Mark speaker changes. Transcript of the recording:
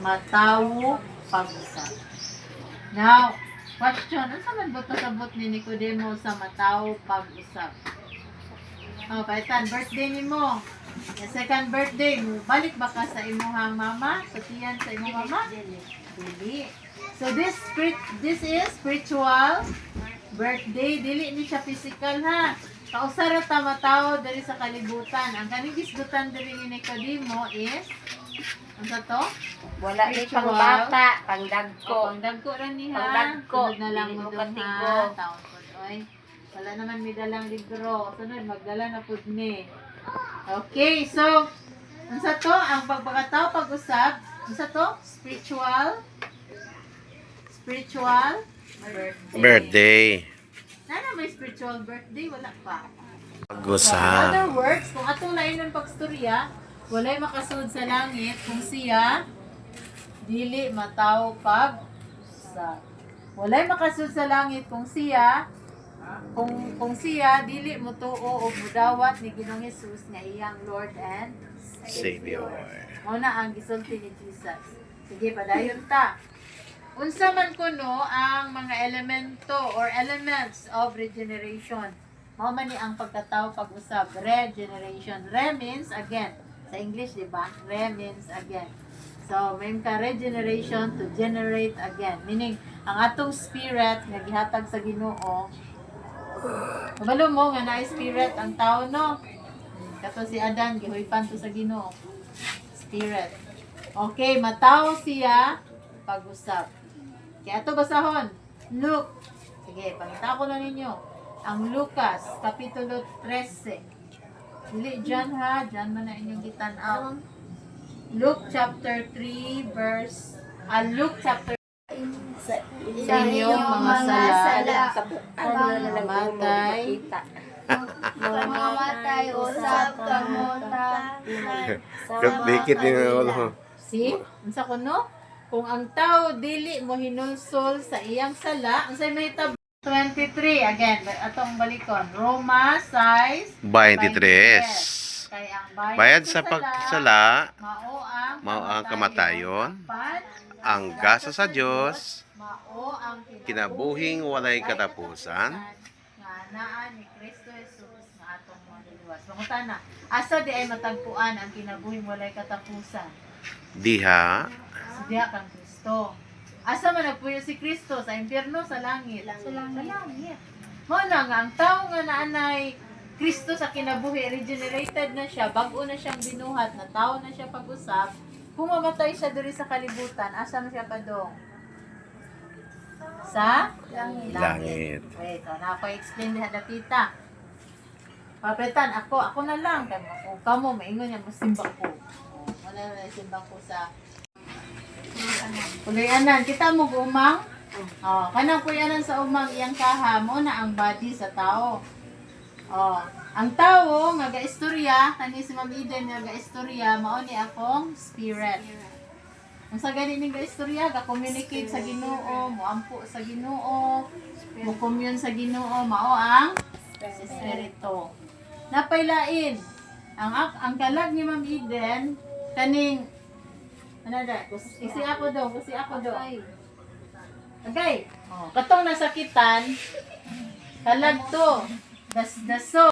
Speaker 1: matawo pag-usab. Now, question, ano sa man buto sabot ni Nicodemo sa matawo pag-usab? Oh, kaitan, birthday ni mo. Yung second birthday, balik ba ka sa imuhang mama? Sa tiyan sa imuhang mama? Dili. So this is spiritual birthday. Dili ni siya physical ha. Kausara ta matawo diri sa kalibutan. Ang kaning gisgutan diri ni Nicodemo is ano sa to?
Speaker 2: Wala ni pang bata, pang dagko.
Speaker 1: Pangdagko ra ni ha.
Speaker 2: Pangdagko,
Speaker 1: Sunod na lang
Speaker 2: dili
Speaker 1: mo
Speaker 2: mo
Speaker 1: dun
Speaker 2: katigo.
Speaker 1: ha. Taon po oy. Wala naman may dalang libro. Sunod magdala na pud ni. Okay, so unsa to ang pagpakataw pag-usab? Unsa to? Spiritual
Speaker 3: Birthday.
Speaker 1: Nana may spiritual birthday wala pa. So, in
Speaker 3: Pag-usab.
Speaker 1: other words, kung atong lain ng pagstorya, walay makasud sa langit kung siya dili mataw pag-usab. Walay makasud sa langit kung siya siya dili motuo o mudawat ni Ginoong Hesus nga iyang Lord and
Speaker 3: Savior.
Speaker 1: Mao na ang gisulti ni Jesus. Sige, padayon ta. Unsa man kuno ang mga elemento or elements of regeneration. Mao man ni ang pagkatawo pag-usab, regeneration. Re means again. Sa English, di ba? Re means again. So, may ka regeneration to generate again. Meaning, ang atong spirit nga gihatag sa Ginoo. Kabalo mo nga na spirit ang tao no. Kato si Adan gihoypan to sa Ginoo. Spirit. Okay, mataw siya pag-usab. Kaya ato basahon. Luke. Sige, pangita ko na ninyo. Ang Lucas, Kapitulo 13. Dili John ha. John man na inyong gitan-aw. Luke chapter 3 verse Luke chapter sa inyong mga sala mamatay
Speaker 2: Mamamatay, usap, kamuta.
Speaker 3: Dikit din ang ulo.
Speaker 1: See? Unsa kuno? Kung ang tao dili mo hinulsol sa iyang sala, unsay mahitabo? 23 again, atong balikon. Roma 6
Speaker 3: 23.
Speaker 1: Kay ang
Speaker 3: Bayad sa pagsala,
Speaker 1: mao ang
Speaker 3: kamatayon, ang gasa sa Dios,
Speaker 1: mao ang
Speaker 3: kinabuhing walay katapusan,
Speaker 1: nga naa ni Kristo Jesus nga atong manluwas. Mangutana, asa di ay matagpuan ang kinabuhing walay katapusan?
Speaker 3: diha,
Speaker 1: Sa diha kang Kristo. Asa man nagpuyo si Kristo sa impierno sa langit? Sa langit. Mo na nga ang tao nga naanay Kristo sa kinabuhi, regenerated na siya, bago na siyang binuhat, na tao na siya pag-usap, kung mamatay siya diri sa kalibutan, asa man siya padong? Sa
Speaker 3: langit.
Speaker 1: Wait, na ako explain diha tita. Papetan, ako na lang. Kung kamo, maingon niya, masimba ko. Wala na simba ko sa Puloy-anan. Kita mo umang? Kanang puloy-anan sa umang iyang kaha mo na ang body sa tao. Ang tao, nga ga-istorya, kani si Ma'am Eden nga ga-istorya, mao ni akong spirit. Kung sa gani ni ga-istorya, ga-communicate sa Ginoo, moampo sa Ginoo, mo-commune sa Ginoo, mao ang espiritu. Napaylain. Ang kalag ni Ma'am Eden, kaning ano da? Kasi ako do. Okay. Katong nasakitan, kalag to. Daso.